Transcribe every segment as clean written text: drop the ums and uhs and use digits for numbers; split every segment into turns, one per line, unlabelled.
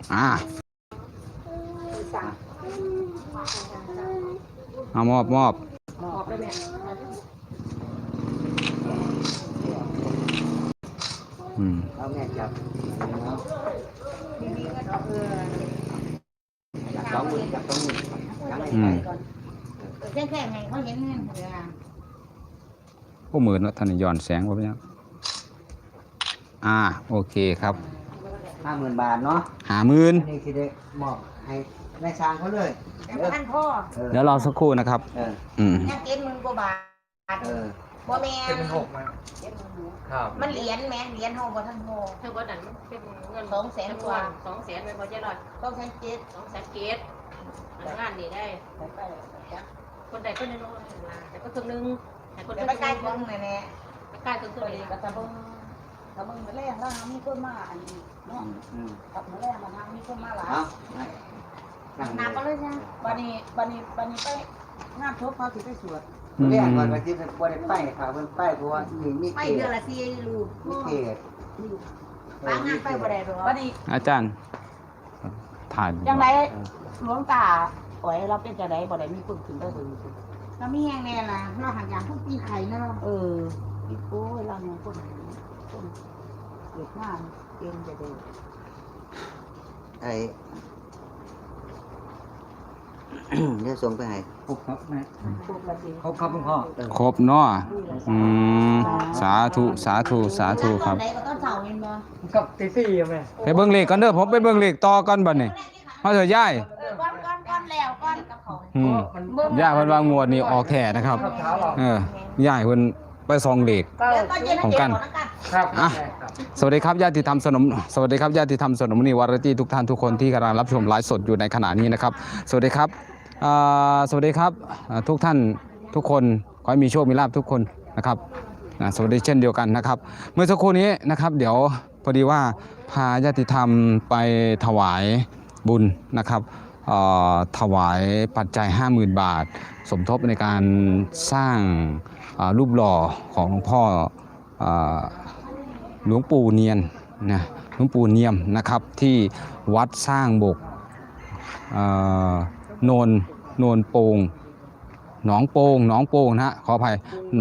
เอามอบ
ได้ไหม
เอาแม่จับสองมือจับสองมือ
แค่ไงเขาเห็นเงินเดือน
พวกมือเนาะท่านย้อนแสงว่าเป็นยังโอเคครับ
50,000 บาทเนาะ
50,000
นี่คือได้มอบให้แม่ช้างเขาเลย
ท่านพ่อ
เดี๋ยวรอสักครู่นะครับ
แค่70,000 กว่าบาทบ่แม่มันเหรียญแม่เหรียญห้องบ่ท่านพ่อ
เท่ากับนั้นเป็นเงิน
200,000 กว่า
200,000เป็นพอใจร้อย200,000งานนี่ได้คนใดคนหนึ่งแต่ก็ครึ่งนึงแต่คน
ไปใกล้ครึ่งแน่
ใกล้ครึ่งเลย
ก็จะเบิ่งถ้ามึงมาแรงแล้วมีคนมาอันนี้เนาะกับมาแรงมาทางมีคนมาหลายน้ำก็เลยจ้ะบัดนี้ไปงานศพเขาสิไปสวด
เรียกว่าที่บ่ได้ไปค่ะเพิ่นไปเพราะว่ามี
ไปเดือนละ4ลูก
มีเขต
บางงานไปบ่ได้หรอกบัดนี้
อาจารย์ถ่าย
จังได๋หลวงตาอ๋อยเราเป็นจังได๋บ่ได้มีคนขึ้นไปเบิ่งเรามีแฮงแน่ล่ะเราหักอย่างทุกปีไข่นะอีโอ้ยเราเนี่ยคนเกิดมาเก่งจะได้
เดี๋ยวส่งไปให้ครบครับแม่ครบครับคุณพ่อ
ครบเนาะสาธุครับ
กับตีสี่แม่
ไปเบิ่งเลขกันเด้อผมไปเบิ่งเลขต่อกันบัดนี้มาเถอะยาย
ก้อนแล้วก้อนกับเขา
ย่าเพิ่นว่างวดนี้ออกแท้นะครับย่าเพิ่นไปซองเลขของกันสวัสดีครับญาติธรรมสนมสวัสดีครับญาติธรรมสนมนิวารตี้ทุกท่านทุกคนที่กำลังรับชมไลฟ์สดอยู่ในขณะนี้นะครับสวัสดีครับทุกท่านทุกคนขอให้มีโชคมีลาภทุกคนนะครับสวัสดีเช่นเดียวกันนะครับเมื่อสักครู่นี้นะครับเดี๋ยวพอดีว่าพาญาติธรรมไปถวายบุญนะครับถวายปัจจัย 50,000 บาทสมทบในการสร้างรูปหล่อของหลวงพ่อหลวงปู่เนียมนะครับที่วัดสร้างบกโนนโป่งหนองโป่งนะขออภัยหน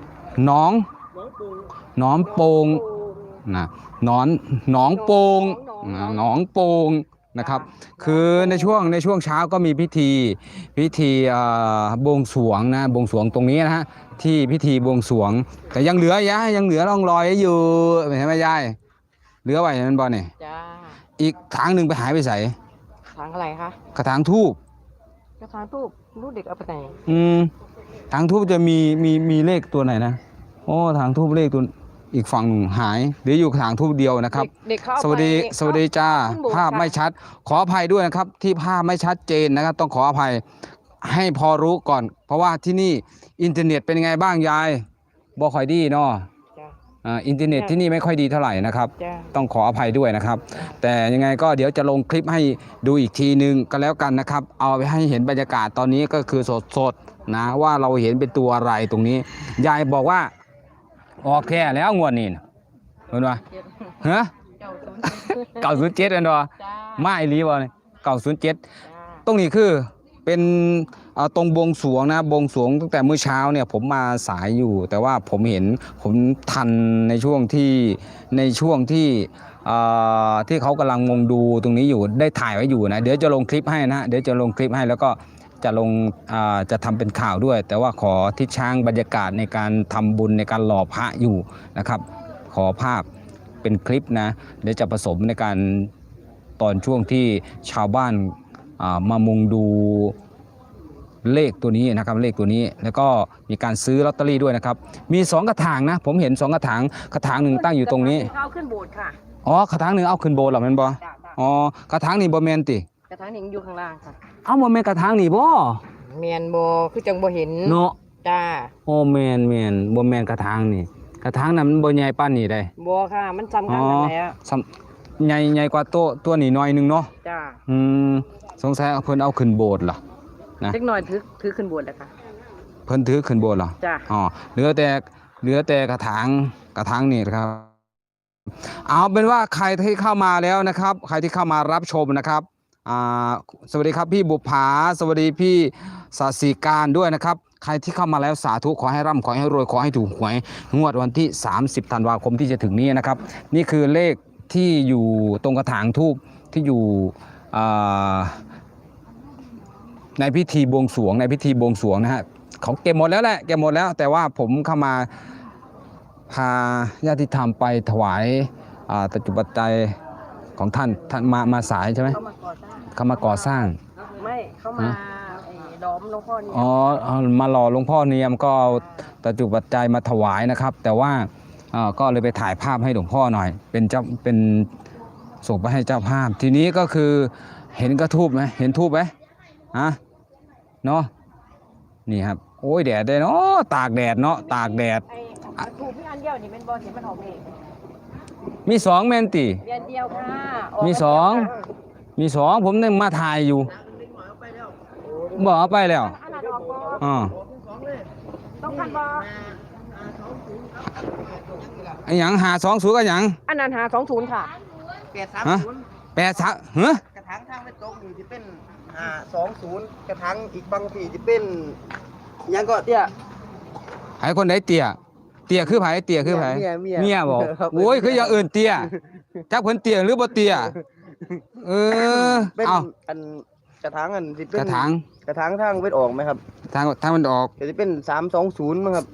องโป่งนะหนองโป่งนะครับคือในช่วงเช้าก็มีพิธีบวงสรวงนะบวงสรวงตรงนี้นะฮะที่พิธีบวงสรวงแต่ยังเหลือร่องรอยอยู่เห็นไหมยายเหลือไว้เห็นมันบ่เนี่ยอีกทางหนึ่งไปหายไปใส่
ทางอะไรคะ
กระถางทูบ
ลูกเด็กเอาไปไหน
ทางทูบจะมีเลขตัวไหนนะทางทูบเลขตัวอีกฝั่งหายหรืออยู่ทางทูบเดียวนะครับสวัสดีจ้าภาพไม่ชัดขออภัยด้วยนะครับที่ภาพไม่ชัดเจนนะครับต้องขออภัยให้พอรู้ก่อนเพราะว่าที่นี่อินเทอร์เน็ตเป็นยังไงบ้างยายบ่ค่อยดีเนาะอินเทอร์เน็ตที่นี่ไม่ค่อยดีเท่าไหร่นะครับต้องขออภัยด้วยนะครับแต่ยังไงก็เดี๋ยวจะลงคลิปให้ดูอีกทีนึงก็แล้วกันนะครับเอาไปให้เห็นบรรยากาศตอนนี้ก็คือสดนะว่าเราเห็นเป็นตัวอะไรตรงนี้ยายบอกว่าออกแค่แล้วงวดนี้เห็นป่ะ907เห็นป่ะมาอีหลีบ่เนี่ย907ตรงนี้คือเป็นตรงบวงสรวงนะบวงสรวงตั้งแต่เมื่อเช้าเนี่ยผมมาสายอยู่แต่ว่าผมทันในช่วงที่เขากำลังงงดูตรงนี้อยู่ได้ถ่ายไว้อยู่นะเดี๋ยวจะลงคลิปให้นะเดี๋ยวจะลงคลิปให้แล้วก็จะทำเป็นข่าวด้วยแต่ว่าขอทิศช้างบรรยากาศในการทำบุญในการหล่อพระอยู่นะครับขอภาพเป็นคลิปนะเดี๋ยวจะผสมในการตอนช่วงที่ชาวบ้านมามุงดูเลขตัวนี้นะครับเลขตัวนี้แล้วก็มีการซื้อลอตเตอรี่ด้วยนะครับมี2กระถางนะผมเห็น2กระถางหนึ่งตั้งอยู่ตรงนี้
เอาขึ้นโบสถ์ค่ะ
กระถางหนึ่งเอาขึ้นโบสถ์หรอแม่นบ่กระถางนี้บ่แม่นติ
กระถางนี้อยู่ข้างล่างค่ะ
เอาบ่แม่นกระถางนี้บ่
แม่นบ่คือจังบ่เห็น
เนาะ
จ้า
แม่นบ่แม่นกระถางนี่กระถางนั้นมันบ่ใหญ่ปานนี้ได้
บ่ค่ะมันซ้ำกันนั่นแหละ
ใหญ่กว่าตัวนี้หน่อยนึงเนาะ
จ้า
สงสัยเพิ่นเอาขึ้นโบสถ์ล่ะ
นะเล็กน้อยถือขึ้นโบสถ์แล้วค่ะ
เพิ่นถือขึ้นโบสถ์เหรอ
จ้า
เหลือแต่กระถางนี่ครับเอาเป็นว่าใครที่เข้ามาแล้วนะครับ ใครที่เข้ามารับชมนะครับสวัสดีครับพี่บุภาสวัสดีพี่ศาสีการด้วยนะครับใครที่เข้ามาแล้วสาธุขอให้ร่ำขอให้รวยขอให้ถูกหวยงวดวันที่30ธันวาคมที่จะถึงนี้นะครับนี่คือเลขที่อยู่ตรงกระถางทูบที่อยู่ในพิธีบวงสรวงนะฮะเขาเก็บหมดแล้วแหละเก็บหมดแล้วแต่ว่าผมเข้ามาพาญาติธรรมไปถวายปัจจุบันใจยของท่านมาสายใช่ไหมเขามาก่อสร้าง
ไม่เข้ามาล้อมหลวงพ่อเนี่ย
มาหล่อหลวงพ่อเนียมก็เอาปัจจุบันใจยมาถวายนะครับ แต่ว่าก็เลยไปถ่ายภาพให้หลวงพ่อหน่อยเป็นส่งไปให้เจ้าภาพทีนี้ก็คือเห็นกระทูบไหมเห็นทูบไหมเนาะนี่ครับโอ้ยแดดได้เนาะตากแดดเนาะตากแดด
ถูกพี่อันเดียวนี่เป็นบอลเห็นมันออกเอง
มี2แมนตี
เดียวค่ะ
มีสองผมยังมาถ่ายอยู่บอกเอาไปแล้ว
ต้องคันบอ
ไอ้หยัง520ก็หยัง
อันนั้น520ค่ะ
830ฮะ
กระถางทางไปตกนี่จะเป็น520กระถางอีกบางทีจะเป็นยังก็เตี้ย
ไอ้คนไหนเตี้ยคือไผเตี้ยคือไผเมียบอกโอ้ยคืออย่างอื่นเตี้ยจักเพิ่นเตี้ยหรือบ่เตี้ย
เป็นอันกระถางอันสิเป็นกระถางทางเวทออกไหมครับ
ทางมันออก
จะเป็น320มั้งครับ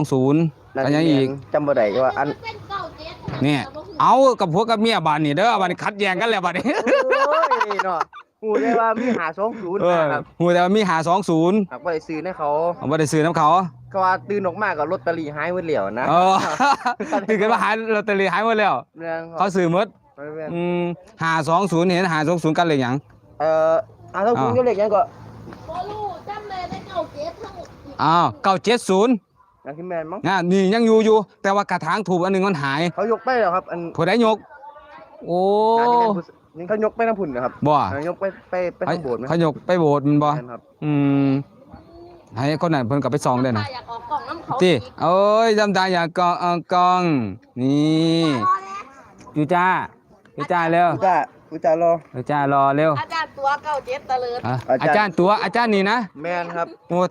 320ก็ยังอีก
จำบ่ได้ว่าอัน
เนี่ยเอากับผัวกับเมียบ้านนี่เด้อบ้านนี้ขัดแย้งกันแล้วบ้านนี้
โอ้ยเนาะฮู้ได้ว่ามี520ครับ
ฮู้แต่ว่ามี520
ครับบ่ได้ซื้อให้เขา
บ่ได้ซื้อนํเขา
ก็ว่าตื่นออกมาก็ลอตเตอรี่หายหมดแล้วนะ
ตื่นกันว่าหายลอตเตอรี่หายหมดแล้วเขาซื้อหมด520เห็น520กันเลยหยัง
520ก็เลขหยังก็
บ่รู้จำเลยได้97ทั้ง
970
ยังคิดแม่นมั้ง
นี่ยังอยู่แต่ว่ากระถางถูกอันนึงมันหาย
เขายกไปแล้วครับอัน
ผู้ใดยกโอ้
นี่เขายกไปน้ำผุ่นนะครับ
บ่
ยกไปทางโบสถ์มั้ย
เขายกไปโบสถ์มันบ่ให้คนนั้นเพิ่นก็ไปส่องได้นะ
อยากออกกล่องน้ำเขา
ติเอ้ยจำตาอยากกองนี่จูจ้าแล้ว
จูจ้ารอ
เร็ว
อาจารย์ตัว97ตะเลิศ
อาจารย์นี่นะ
แม่นครับ
โอ้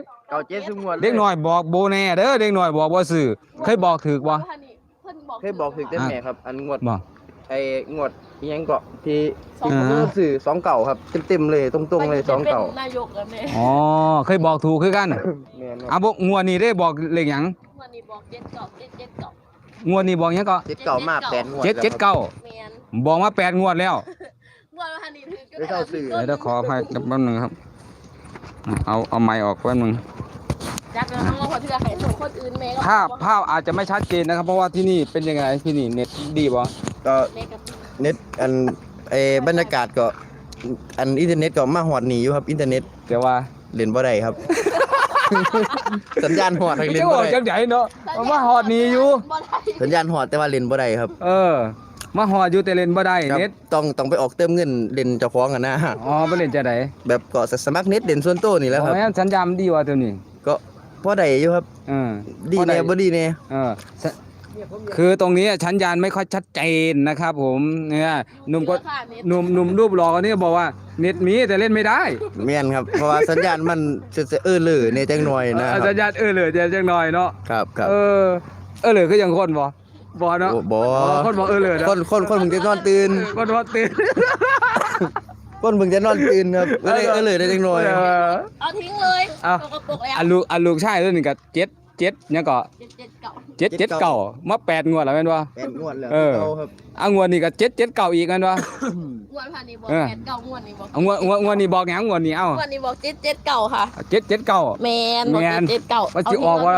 97
ซุงวด
เด็กน้อยบอกโบแน่เด้อเด็กน้อยบอกบ่ซื่อเคยบอกถูกบ่
เคยบอกถูกแต่แม่ครับอันงวดไอ้งวดอีหยังก็ที่สื่อ2เก่าครับเต็มๆเลยตรงๆเลย2เก่าน
ายกแล้วแม่
เคยบอกถูกคือกัน
แม่น
บ่งวดนี้ได้บอกเลขหยัง
งวดนี้บอก
งวดนี้บอกหยังก็
79มา8งวด
779
แม่น
บอกมา8งวดแล้ว
งวดว่านี่ถือก็
ได้สื่อ
เดี๋ยวขออภัยแป๊บนึงครับเอาไมค์ออกแป๊บนึง
จักแล้วน้องว่าเทื่อให้ส่งคนอื่นแม่ก็
ภาพอาจจะไม่ชัดเจนนะครับเพราะว่าที่นี่เป็นยังไงที่นี่เน็ตดีบ่
ก็เน็ตอันบรรยากาศก็อันอินเทอร์เน็ตก็มาหอดหนีอยู่ครับอินเทอร์เน็ต
แต่ว่า
เล่นบ่ได้ครับสัญญาณหอดเล่นบ่ได้
จังได๋เนาะมาหอดหนีอยู่
สัญญาณหอดแต่ว่าเล่นบ่ได้ครับ
มาหอดอยู่แต่เล่นบ่ได้เน็ต
ต้องไปออกเติมเงินเล่นเจ้าของกันนะ
ไปเล่นจะได๋
แบบก็สมัครเน็ตเล่นส่วนตัวนี่แหละครับ
สัญญาณดีว่าตัวนี้
ก็พอได้อยู่ครับดีแน่บ่ดีแน่
คือตรงนี้สัญญาณไม่ค่อยชัดเจนนะครับผมเนี่ยหนุ่มรูปหล่อคนนี้บอกว่าเน็ตมีแต่เล่นไม่ได้
แม่นครับเพราะว่าสัญญาณมันจะเลยในจังหน่อยนะ
สัญญาณเลยจังหน่อยเนาะ
ครับ
เลยคือยังคนบ่เนาะคนบอกเลย
คนมึงจะนอนตื่น
คนนอนตื่น
คนมึงจะนอนตื่นครับเลยได้จังหน่อย
เอาทิ้งเลย
ลูกชายตัวนึงก็7เนี่ยก็779มา8งวดแล้วแม่นบ่
8งวดแล้ว
ครับงวดนี้ก็779อีกแม่นบ่
งวดพันนี้บอก89งวดนี้บอก
งวดนี้บอกหยังงวดนี้
งวดนี้บอก779ค่ะ
779
แม่นบอก779
ว่าสิออกบ่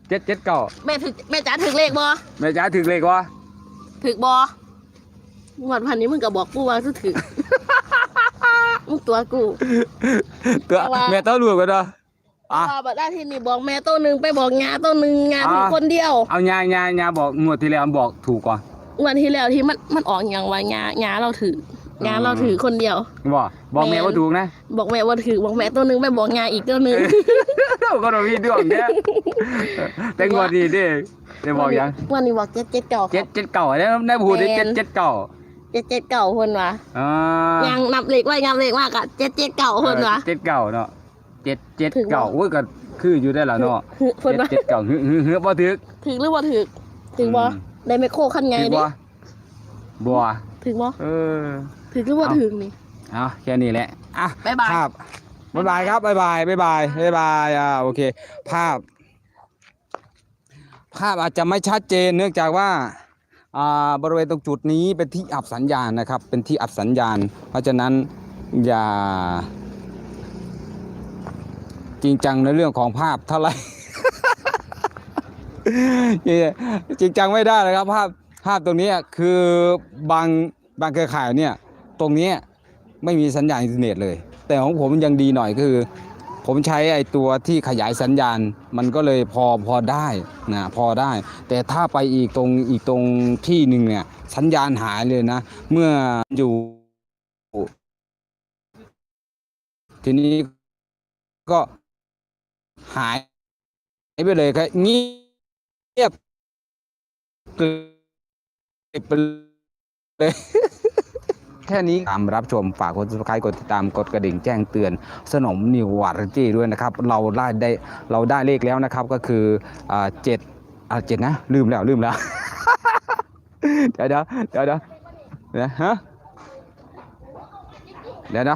779
แม่จ๋าถึกเลขบ่
แม่จ๋าถึกเลขบ่
ถึกบ่งวดพันนี้มึงก็บอกกูว่าถึกมึงตัวกู
ตัวแม่ต้องรู้กันเนาะ
บัดได้ที่นี่บอกแม่ตัวนึงไปบอกงาตัวนึงงาถูกคนเดียว
เอางาบอกงวดที่แล้วบอกถูกกว่าง
วดที่แล้วที่มันออกอย่างว่างาเราถือ
งานเราถือคนเดียว
บอกแม่ว่าถูกนะ
บอกแม่ว่าถือบอกแม่ตัวหนึงไปบอกงานอีกตัวหนึง
ก็ต้องมีดวงเนี่ยแต่งวดดีเด้ได้บอกยัง
วันนี้บอก7 7 9
เจ็ดเก่าเนี่ยได้พูดได้เจ็ดเก่า
7 7 9คนวะ
อ่า
ยังนับเลขไว้นับเลขมากอะ7 7 9คนวะ
เจ็ดเก่าเนาะเจ็ด
ถึงบ่
เก่าโอ้ยก็คืออยู่ได้แล้วเนาะ
เพิ่นว่า
เจ็ดเก่าเฮือบ่ถึก
ถึงหรือว่าถึงถึงบ่ได้ไมโครคันไง
ถึก
ดิ
บ่
ถึงบ่
เออ
ถึงหรือว่าถึงนี่
เอาแค่นี้แหละอ่ะ
บ๊ายบาย
ภาพบ๊ายบายครับบ๊ายบายบ๊ายบายบ๊ายบายโอเคภาพอาจจะไม่ชัดเจนเนื่องจากว่าบริเวณตรงจุดนี้เป็นที่อับสัญญาณนะครับเป็นที่อับสัญญาณเพราะฉะนั้นอย่าจริงจังในเรื่องของภาพเท่าไหร่ จริงจังไม่ได้เลยครับภาพตรงนี้คือบางเครือข่ายเนี่ยตรงนี้ไม่มีสัญญาณอินเทอร์เน็ตเลยแต่ของผมยังดีหน่อยคือผมใช้ไอ้ตัวที่ขยายสัญญาณมันก็เลยพอได้นะพอได้แต่ถ้าไปอีกตรงที่หนึ่งเนี่ยสัญญาณหายเลยนะเมื่ออยู่ทีนี้ก็หายไปเลยครับเงียบไปเลย แค่นี้ตามรับชมฝากกด subscribe กดติดตามกดกระดิ่งแจ้งเตือนสนมนิววาไรตี้ด้วยนะครับเราได้เลขแล้วนะครับก็คือ7นะลืมแล้ว เดี๋ยวนะฮะเดี๋ยวนะ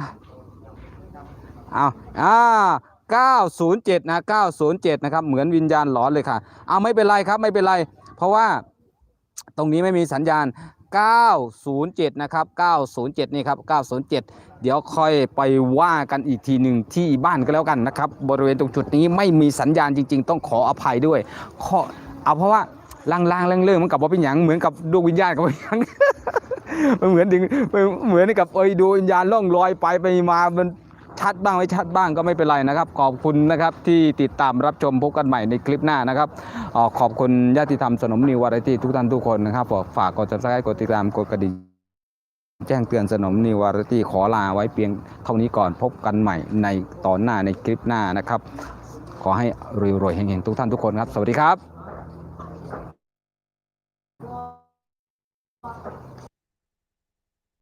907นะ907นะครับเหมือนวิญญาณหลอนเลยค่ะไม่เป็นไรครับไม่เป็นไรเพราะว่าตรงนี้ไม่มีสัญญาณ907นะครับ907นี่ครับ907เดี๋ยวค่อยไปว่ากันอีกทีหนึ่งที่บ้านก็แล้วกันนะครับบริเวณตรงจุดนี้ไม่มีสัญญาณจริงๆต้องขออภัยด้วยเพราะว่าลางๆเรื่องมันกับว่าเป็นอย่างเหมือนกับดวงวิญญาณกับเป็นอย่าง มันเหมือนกับดวงวิญญาณล่องลอยไปมามันชัดบ้างไม่ชัดบ้างก็ไม่เป็นไรนะครับขอบคุณนะครับที่ติดตามรับชมพบกันใหม่ในคลิปหน้านะครับขอบคุณญาติธรรมสนมนิววาไรตี้ทุกท่านทุกคนนะครับฝากกด subscribe กดติดตามกดกระดิ่งแจ้งเตือนสนมนิววาไรตี้ขอลาไว้เพียงเท่านี้ก่อนพบกันใหม่ในตอนหน้าในคลิปหน้านะครับขอให้รวยๆเฮงๆทุกท่านทุกคนครับสวัสดีครับ